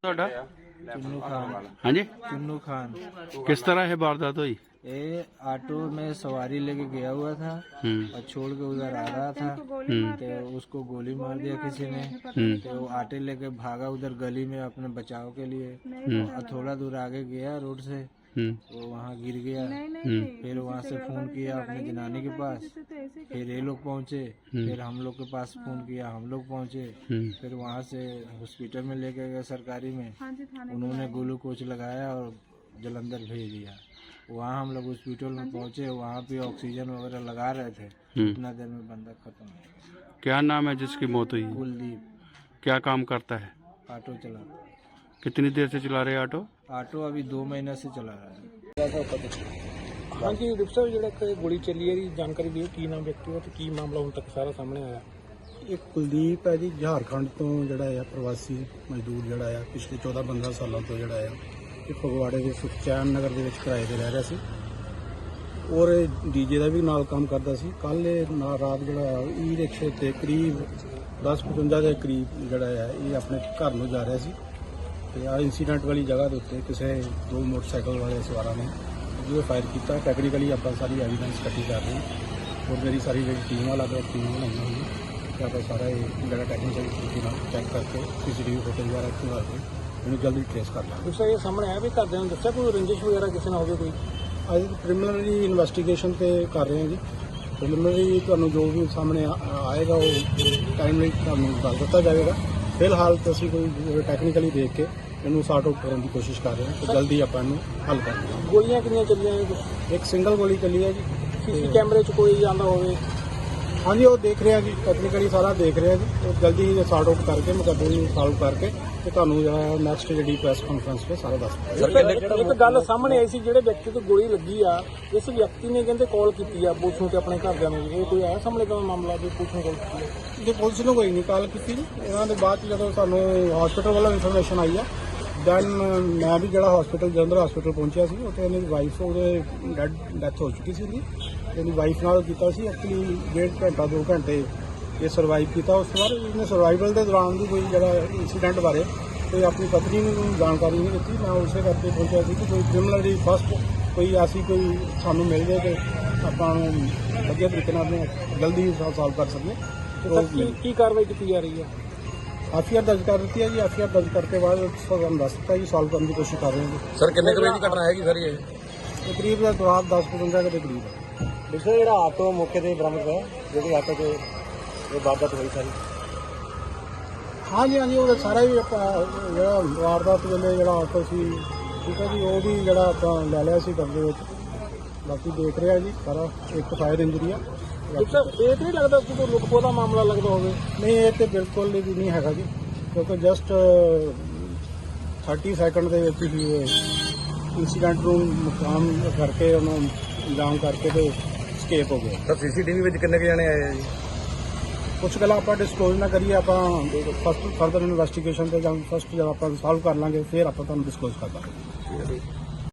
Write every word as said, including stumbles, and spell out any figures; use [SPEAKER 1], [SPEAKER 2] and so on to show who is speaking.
[SPEAKER 1] ਤੁਹਾਡਾ
[SPEAKER 2] चुन्नू खान
[SPEAKER 1] ਹਾਂਜੀ
[SPEAKER 2] चुन्नू खान
[SPEAKER 1] किस तरह ये वारदात हुई?
[SPEAKER 2] ये ऑटो में सवारी लेके गया हुआ था
[SPEAKER 1] हम्म
[SPEAKER 2] और छोड़ के उधर आ रहा था
[SPEAKER 1] हम्म
[SPEAKER 2] तो उसको गोली मार दिया किसी ने।
[SPEAKER 1] हम्म
[SPEAKER 2] तो वो आटे लेके भागा उधर गली में अपने बचाव के लिए
[SPEAKER 1] हम्म
[SPEAKER 2] और थोड़ा दूर आगे गया रोड से
[SPEAKER 1] हम्म
[SPEAKER 2] वो वहाँ गिर गया।
[SPEAKER 1] हम्म
[SPEAKER 2] फिर वहाँ से फोन किया अपने जनानी के पास, फिर ये लोग पहुँचे, फिर हम लोग के पास फोन किया, हम लोग पहुँचे,
[SPEAKER 1] हम्म
[SPEAKER 2] फिर वहाँ से हॉस्पिटल में लेके गए सरकारी में, उन्होंने ग्लूकोज लगाया और जलंधर भेज दिया। वहाँ हम लोग हॉस्पिटल में पहुँचे, वहाँ पे ऑक्सीजन वगैरह लगा रहे थे,
[SPEAKER 1] हम्म।
[SPEAKER 2] इतना देर में बंदा खत्म हो गया।
[SPEAKER 1] क्या नाम है जिसकी मौत हुई?
[SPEAKER 2] कुलदीप
[SPEAKER 1] क्या काम करता है?
[SPEAKER 2] ऑटो चला,
[SPEAKER 1] कितनी देर से चला रहे ऑटो?
[SPEAKER 2] ऑटो अभी दो महीने से चला रहा है।
[SPEAKER 3] हाँ जी डिप्टी ਸਾਹਿਬ ਜਿਹੜਾ ਕਿ ਗੋਲੀ ਚੱਲੀ ਹੈ ਦੀ ਜਾਣਕਾਰੀ ਦਿਓ ਕੀ ਨਾਮ ਵਿਅਕਤੀ ਦਾ ਤੇ ਕੀ ਮਾਮਲਾ ਹੁਣ ਤੱਕ ਸਾਰਾ ਸਾਹਮਣੇ ਆਇਆ।
[SPEAKER 4] ਇੱਕ ਕੁਲਦੀਪ ਹੈ ਜੀ, ਝਾਰਖੰਡ ਤੋਂ ਜਿਹੜਾ ਆ ਪ੍ਰਵਾਸੀ ਮਜ਼ਦੂਰ ਜਿਹੜਾ ਆ ਪਿਛਲੇ ਚੌਦਾਂ ਪੰਦਰਾਂ ਸਾਲਾਂ ਤੋਂ ਜਿਹੜਾ ਆ ਇਹ ਫਗਵਾੜੇ ਦੇ ਸੁਖਚੈਨ ਨਗਰ ਦੇ ਵਿੱਚ ਕਿਰਾਏ ਤੇ ਰਹਿ ਰਿਹਾ ਸੀ ਔਰ ਡੀਜੇ ਦਾ ਵੀ ਨਾਲ ਕੰਮ ਕਰਦਾ ਸੀ। ਕੱਲ ਇਹ ਨਾ ਰਾਤ ਜਿਹੜਾ ਈ ਰਿਕਸ਼ੇ ਤੇ ਕਰੀਬ ਦਸ ਪਚਵੰਜਾ ਦੇ ਕਰੀਬ ਜਿਹੜਾ ਆ ਇਹ ਆਪਣੇ ਘਰ ਨੂੰ ਜਾ ਰਿਹਾ ਸੀ ਤੇ ਆ ਇੰਸੀਡੈਂਟ ਵਾਲੀ ਜਗ੍ਹਾ ਦੇ ਉੱਤੇ ਕਿਸੇ ਦੋ ਮੋਟਰਸਾਈਕਲ ਵਾਲੇ ਸਵਾਰਾਂ ਨੇ ਜੋ ਫਾਇਰ ਕੀਤਾ। ਟੈਕਨੀਕਲੀ ਆਪਾਂ ਸਾਰੀ ਐਵੀਡੈਂਸ ਇਕੱਠੀ ਕਰ ਰਹੇ ਹਾਂ ਔਰ ਮੇਰੀ ਸਾਰੀ ਜਿਹੜੀ ਟੀਮ ਵਾਲਾ ਗਿਆ ਟੀਮ ਬਣਾਈ ਹੋਈ ਹੈ ਤੇ ਆਪਾਂ ਸਾਰਾ ਇਹ ਜਿਹੜਾ ਟੈਕਨੀਕਲ ਤਰੀਕੇ ਨਾਲ ਚੈੱਕ ਕਰਕੇ ਸੀਸੀਟੀਵੀ ਫੁਟੇਜ ਵਗੈਰਾ ਖੰਗਾਲ ਕੇ ਇਹਨੂੰ ਜਲਦੀ ਟ੍ਰੇਸ ਕਰ ਲਾਂਗੇ।
[SPEAKER 3] ਡਿਪਟੀ ਸਾਹਿਬ ਇਹ ਸਾਹਮਣੇ ਆਇਆ ਵੀ ਘਰਦਿਆਂ ਨੂੰ ਦੱਸਿਆ ਕੋਈ ਰੰਜਿਸ਼ ਵਗੈਰਾ ਕਿਸੇ ਨਾਲ ਹੋਵੇ ਕੋਈ?
[SPEAKER 4] ਅੱਜ ਪ੍ਰੀਲਿਮਿਨਰੀ ਇਨਵੈਸਟੀਗੇਸ਼ਨ ਤੇ ਕਰ ਰਹੇ ਹਾਂ ਜੀ। ਪ੍ਰੀਲਿਮਿਨਰੀ ਤੁਹਾਨੂੰ ਜੋ ਵੀ ਸਾਹਮਣੇ ਆ- ਆਏਗਾ ਉਹ ਟਾਈਮਲੀ ਤੁਹਾਨੂੰ ਦੱਸ ਦਿੱਤਾ ਜਾਵੇਗਾ। ਫਿਲਹਾਲ ਤਾਂ ਅਸੀਂ ਕੋਈ ਟੈਕਨੀਕਲੀ ਦੇਖ ਕੇ ਇਹਨੂੰ ਸਾਰਟ ਆਊਟ ਕਰਨ ਦੀ ਕੋਸ਼ਿਸ਼ ਕਰ ਰਹੇ ਹਾਂ ਤੇ ਜਲਦੀ ਆਪਾਂ ਇਹਨੂੰ ਹੱਲ ਕਰ ਲਵਾਂਗੇ।
[SPEAKER 3] ਗੋਲੀਆਂ ਕਿੰਨੀਆਂ ਚੱਲੀਆਂ ਨੇ?
[SPEAKER 4] ਇੱਕ ਸਿੰਗਲ ਗੋਲੀ ਚੱਲੀ ਹੈ ਜੀ।
[SPEAKER 3] ਸੀਸੀ ਕੈਮਰੇ 'ਚ ਕੋਈ ਆਂਦਾ ਹੋਵੇ?
[SPEAKER 4] ਹਾਂਜੀ ਉਹ ਦੇਖ ਰਹੇ ਹਾਂ ਜੀ, ਟੈਕਨੀਕਲੀ ਸਾਰਾ ਦੇਖ ਰਹੇ ਹਾਂ ਜੀ। ਉਹ ਜਲਦੀ ਹੀ ਸਾਰਟ ਆਊਟ ਕਰਕੇ ਮੁਕੱਦਮੇ ਨੂੰ ਸੋਲਵ ਕਰਕੇ ਤੇ ਤੁਹਾਨੂੰ ਜਿਹੜਾ ਨੈਕਸਟ ਜਿਹੜੀ ਪ੍ਰੈਸ ਕਾਨਫਰੰਸ 'ਤੇ ਸਾਰਾ ਦੱਸ ਦਿਆਂਗੇ।
[SPEAKER 3] ਇੱਕ ਗੱਲ ਸਾਹਮਣੇ ਆਈ ਸੀ ਜਿਹੜੇ ਵਿਅਕਤੀ ਤੇ ਗੋਲੀ ਲੱਗੀ ਆ ਇਸ ਵਿਅਕਤੀ ਨੇ ਕਹਿੰਦੇ ਕਾਲ ਕੀਤੀ ਆ ਪੁਲਿਸ ਨੂੰ ਤੇ ਆਪਣੇ ਘਰਦਿਆਂ ਨੂੰ। ਇਹ ਕੋਈ ਆਇਆ ਸਾਹਮਣੇ ਦਾ ਮਾਮਲਾ ਵੀ ਪੁਲਿਸ ਨੂੰ ਕਾਲ ਕੀਤੀ ਹੈ?
[SPEAKER 4] ਜੇ ਪੁਲਿਸ ਨੂੰ ਕੋਈ ਨਹੀਂ ਕਾਲ ਕੀਤੀ ਜੀ। ਇਹਨਾਂ ਦੇ ਬਾਅਦ 'ਚ ਜਦੋਂ ਸਾਨੂੰ ਹਸਪੀਟਲ ਵੱਲੋਂ ਇਨਫੋਰਮੇਸ਼ਨ ਆਈ ਆ ਦੈਨ ਮੈਂ ਵੀ ਜਿਹੜਾ ਹਸਪੀਟਲ ਜਲੰਧਰ ਹਸਪੀਟਲ ਪਹੁੰਚਿਆ ਸੀ ਉੱਥੇ ਇਹਨਾਂ ਦੀ ਵਾਈਫ ਉਹਦੇ ਡੈਡ ਡੈਥ ਹੋ ਚੁੱਕੀ ਸੀ ਉਹਦੀ। ਇਹਦੀ ਵਾਈਫ ਨਾਲ ਕੀਤਾ ਸੀ ਐਕਚੁਅਲੀ ਡੇਢ ਘੰਟਾ ਦੋ ਘੰਟੇ ਇਹ ਸਰਵਾਈਵ ਕੀਤਾ। ਉਸ ਤੋਂ ਬਾਅਦ ਇਹਨੇ ਸਰਵਾਈਵਲ ਦੇ ਦੌਰਾਨ ਵੀ ਕੋਈ ਜਿਹੜਾ ਇੰਸੀਡੈਂਟ ਬਾਰੇ ਕੋਈ ਆਪਣੀ ਪਤਨੀ ਨੂੰ ਜਾਣਕਾਰੀ ਨਹੀਂ ਦਿੱਤੀ। ਮੈਂ ਉਸੇ ਕਰਕੇ ਪਹੁੰਚਿਆ ਸੀ ਕਿ ਕੋਈ ਕ੍ਰਿਮੀਨਲ ਫਸਟ ਕੋਈ ਐਸੀ ਕੋਈ ਸਾਨੂੰ ਮਿਲ ਜਾਏ ਕਿ ਆਪਾਂ ਨੂੰ ਵਧੀਆ ਤਰੀਕੇ ਨਾਲ ਜਲਦੀ ਸੋਲਵ ਕਰ ਸਕੀਏ।
[SPEAKER 3] ਕੀ ਕੀ ਕਾਰਵਾਈ ਕੀਤੀ ਜਾ ਰਹੀ ਹੈ?
[SPEAKER 4] ਐਫ ਆਈ ਆਰ ਦਰਜ ਕਰ ਦਿੱਤੀ ਹੈ ਜੀ। ਐਫ ਆਈ ਆਰ ਦਰਜ ਕਰਕੇ ਬਾਅਦ ਤੁਹਾਨੂੰ ਦੱਸ ਦਿੱਤਾ ਜੀ ਸੋਲਵ ਕਰਨ ਦੀ ਕੋਸ਼ਿਸ਼ ਕਰ ਰਹੇ ਹਾਂ ਜੀ।
[SPEAKER 3] ਸਰ ਕਿੰਨੇ ਵਜੇ ਦੀ ਘਟਨਾ ਹੈਗੀ ਸਰ ਇਹ?
[SPEAKER 4] ਤਕਰੀਬ ਦਾ ਰਾਤ ਦਸ ਪਚਵੰਜਾ ਦੇ ਕਰੀਬ ਹੈ।
[SPEAKER 3] ਪਿਛਲੇ ਜਿਹੜਾ ਆਟੋ ਮੌਕੇ ਤੇ ਬਰਾਮਦ ਹੋਇਆ ਜਿਹੜੀ ਆਟੋ ਤੇ ਇਹ ਵਾਰਦਾਤ ਹੋਈ ਸਾਰੀ?
[SPEAKER 4] ਹਾਂਜੀ ਹਾਂਜੀ ਉਹਦਾ ਸਾਰਾ ਹੀ ਆਪਾਂ ਜਿਹੜਾ ਵਾਰਦਾਤ ਵੇਲੇ ਜਿਹੜਾ ਆਟੋ ਸੀ ਠੀਕ ਹੈ ਜੀ ਉਹ ਵੀ ਜਿਹੜਾ ਆਪਾਂ ਲੈ ਲਿਆ ਸੀ ਕਬਜ਼ੇ ਵਿੱਚ। ਬਾਕੀ ਦੇਖ ਰਿਹਾ ਜੀ ਸਾਰਾ। ਇੱਕ ਫਾਇਰ ਇੰਜਰੀ ਆ।
[SPEAKER 3] ਸਰ ਇਹ ਤਾਂ ਨਹੀਂ ਲੱਗਦਾ ਕਿ ਕੋਈ ਲੁੱਟਖੋ ਦਾ ਮਾਮਲਾ ਲੱਗਦਾ ਹੋਵੇ?
[SPEAKER 4] ਨਹੀਂ ਇਹ ਤੇ ਬਿਲਕੁਲ ਵੀ ਨਹੀਂ ਹੈਗਾ ਜੀ ਕਿਉਂਕਿ ਜਸਟ ਤੀਹ ਸੈਕਿੰਡ ਦੇ ਵਿੱਚ ਹੀ ਇਹ ਇੰਸੀਡੈਂਟ ਨੂੰ ਮੁਕਾਮ ਕਰਕੇ ਉਹਨੂੰ ਅੰਜਾਮ ਕਰਕੇ ਤੇ ਸਕੇਪ ਹੋ ਗਿਆ।
[SPEAKER 3] ਸਰ ਸੀਸੀਟੀਵੀ ਵਿੱਚ ਕਿੰਨੇ ਕੁ ਜਣੇ ਆਏ ਆ ਜੀ?
[SPEAKER 4] ਕੁਛ ਗੱਲਾਂ ਆਪਾਂ ਡਿਸਕਲੋਜ਼ ਨਾ ਕਰੀਏ। ਆਪਾਂ ਫਸਟ ਫਰਦਰ ਇਨਵੈਸਟੀਗੇਸ਼ਨ ਤੇ ਜਾਂ ਫਸਟ ਜਦੋਂ ਆਪਾਂ ਸੋਲਵ ਕਰ ਲਾਂਗੇ ਫਿਰ ਆਪਾਂ ਤੁਹਾਨੂੰ ਡਿਸਕਲੋਜ਼ ਕਰ ਦਾਂਗੇ।